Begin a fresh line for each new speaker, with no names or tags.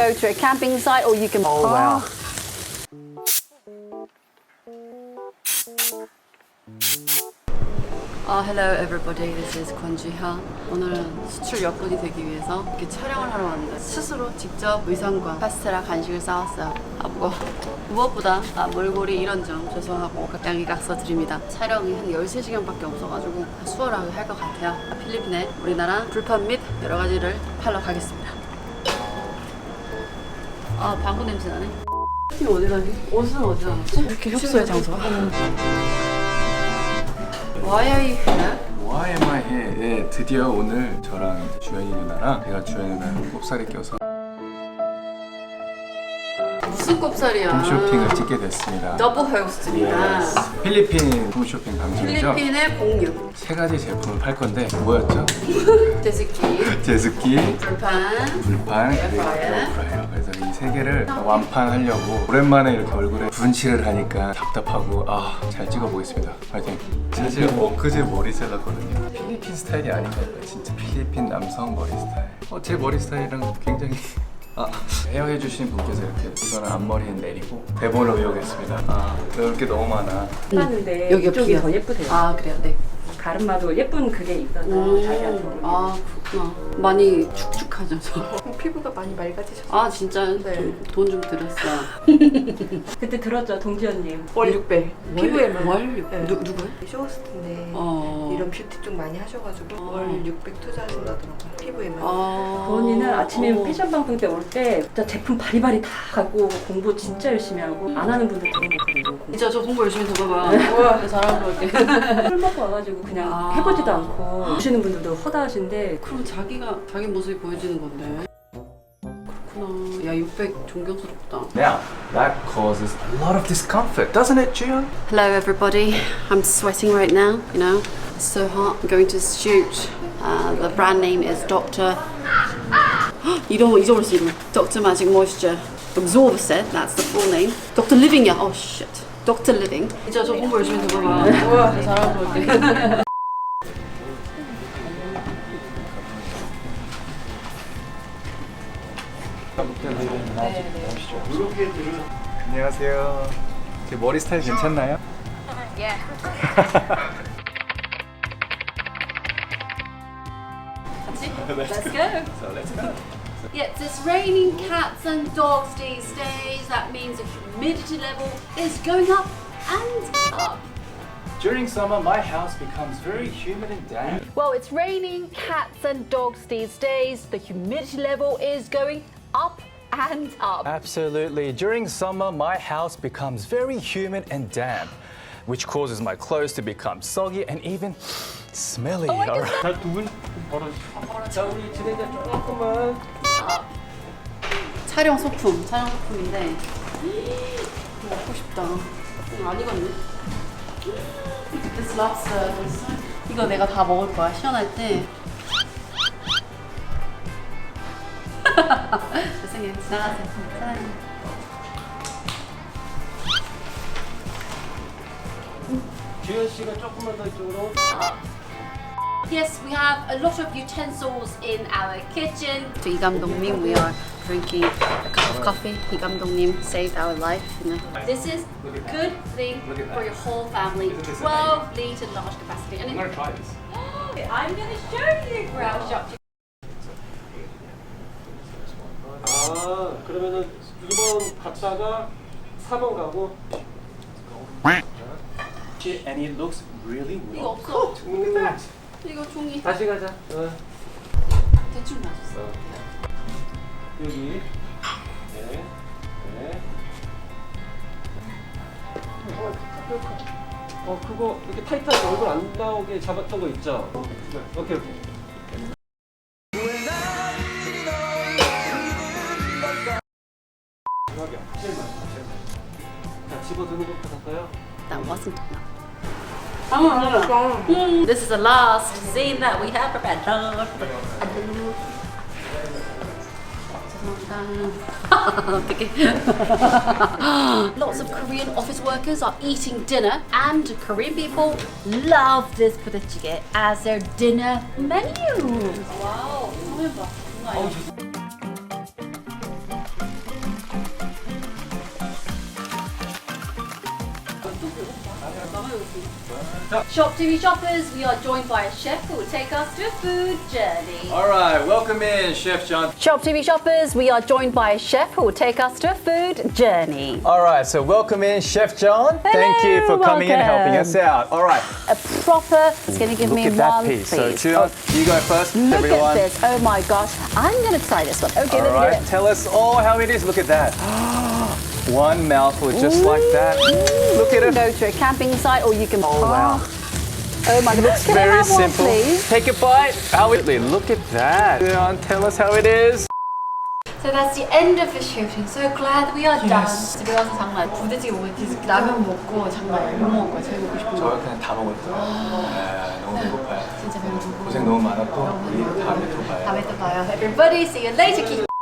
go to a camping site or you can.
Oh wow.
Hello everybody, this is 권지현. 오늘은 수출 여건이 되기 위해서 이렇게 촬영을 하러 왔는데 스스로 직접 의상과 파스텔라 간식을 싸왔어요. 무엇보다 몰골이 이런 점 죄송하고 양해각서 드립니다. 촬영이 한 13시간밖에 없어가지고 수월하게 할 것 같아요. 필리핀에 우리나라 불판 및 여러 가지를 팔러 가겠습니다. 방구 냄새 나네. 팀 어디 가니? 옷은 어디 나갔지? 이렇게 협소해 장소가? Why are you here?
Why am I here? 네, 드디어 오늘 저랑 주연이 누나랑 제가 주연이 누나랑 꼽살이 껴서
무슨 꼽살이야?
홈쇼핑을 찍게 됐습니다.
더블 호스트입니다.
필리핀 홈쇼핑 방송이죠?
필리핀의 공유.
세 가지 제품을 팔 건데 뭐였죠?
제스키,
제스키,
불판,
불판, 그리고 에어프라이어. 그래서 이 세 개를 완판하려고 오랜만에 이렇게 얼굴에 분칠을 하니까 답답하고 잘 찍어보겠습니다. 파이팅! 사실 엊그제 머리 잘랐거든요. 필리핀 스타일이 아니더라고요. 진짜 필리핀 남성 머리 스타일. 제 머리 스타일이랑 굉장히 헤어해 주신 분께서 이렇게 이거는 앞머리에 내리고 대본을 외우겠습니다. 이렇게 너무 많아.
하는데
여기가
이쪽이
비어.
더 예쁘대요.
그래요? 네.
가르마도 예쁜 그게 있어서 자기한테
그렇구나. 많이 축축하죠, 저.
피부가 많이 맑아지셨어요.
진짜
네.
돈 좀 들였어요.
그때 들었죠, 동지언님.
월 600. 피부에만.
월?
네.
누구요?
쇼호스트인데 이런 뷰티 쪽 많이 하셔가지고 월 600 투자하신다더라고요. 피부에만.
그 언니는 아침에 패션 방송 때 올 때 진짜 제품 바리바리 다 갖고 공부 진짜 열심히 하고 안 하는 분들 되게 많거든요.
진짜 저 공부 열심히 해봐봐요. 우와, 잘하고 올게.
술 먹고 와가지고 그냥 해보지도 않고 오시는 분들도 허다하신데
그럼 자기 모습이 보여지는 건데. 그렇구나. 야, 600 존경스럽다.
Now, that causes a lot of discomfort, doesn't it, Jian?
Hello everybody, I'm sweating right now, you know, it's so hot. I'm going to shoot, the brand name is Dr. 잊어버렸어 이름. Dr. Magic Moisture Absorb-Set, that's the full name. Dr. Living이야, oh shit. Dr. Living. 진짜 저 공부 열심히 해봐봐. 우와, 잘하고 올게.
안녕하세요. 제 머리 스타일 괜찮나요?
Let's go.
So let's go.
Yes, it's raining cats and dogs these days. That means the humidity level is going up and up.
During summer, my house becomes very humid and damp.
Well, it's raining cats and dogs these days. The humidity level is going up and up.
Absolutely. During summer, my house becomes very humid and damp, which causes my clothes to become soggy and even smelly.
촬영 소품인데 먹고 싶다. 안 익었네. This lobster. 이거 내가 다 먹을 거야. 시원할 때. 죄송해요. 나가세요. 사랑해요.
주현 씨가 조금만 더 이쪽으로.
Yes, we have a lot of utensils in our kitchen. To 이 감독님, we are drinking a cup of coffee. 이 감독님 saved our life. You know. This is a good thing for your whole family. 12 litre large capacity. And
I'm gonna try this.
I'm going to show you, Growl Shop.
그러면은 2번 갔다가 4번 가고.
And it looks really
이거
well.
없어. 이거 종이
다시 가자.
대충 맞았어.
여기. 네. 그거 이렇게 타이트하게 얼굴 안 나오게 잡았던 거 있죠? 오케이. 자, 집어드는 것부터 갈까요?
That wasn't enough. This is the last scene that we have prepared. Lots of Korean office workers are eating dinner, and Korean people love this budae as their dinner menu. Wow.
Shop TV shoppers, we are joined by a chef who will take us through a food journey.
All right, welcome in, Chef John.
Shop TV shoppers, we are joined by a chef who will take us through a food journey.
All right, so welcome in, Chef John. Thank you for coming in and helping us out. All right,
A proper, it's going to give
look
me
at that
one,
piece.
please.
So, John, you go first,
Look
everyone.
at this. Oh my gosh. I'm going to try this one. Okay,
All
let's
right,
do it.
tell us all how it is. Look at that. One mouthful, just like that. Look at it.
Go to a camping site or you can
Oh, wow.
Oh my goodness. Can I
Very
have one,
simple.
please?
Take a bite. Look at that. John, tell us how it is.
So that's the end of the shooting. So glad we are done. 집에 가서 장난 부대찌개 먹고 계속 라면 먹고 장난 아니에요. 뭐 먹을 거야? 제일 먹고 싶은
저
거.
그냥 다 먹었어요. 너무 배고파요.
진짜 배고프고.
고생 너무 많았고 우리 다음에 또 봐요.
다음에 또 봐요. Everybody, see you later.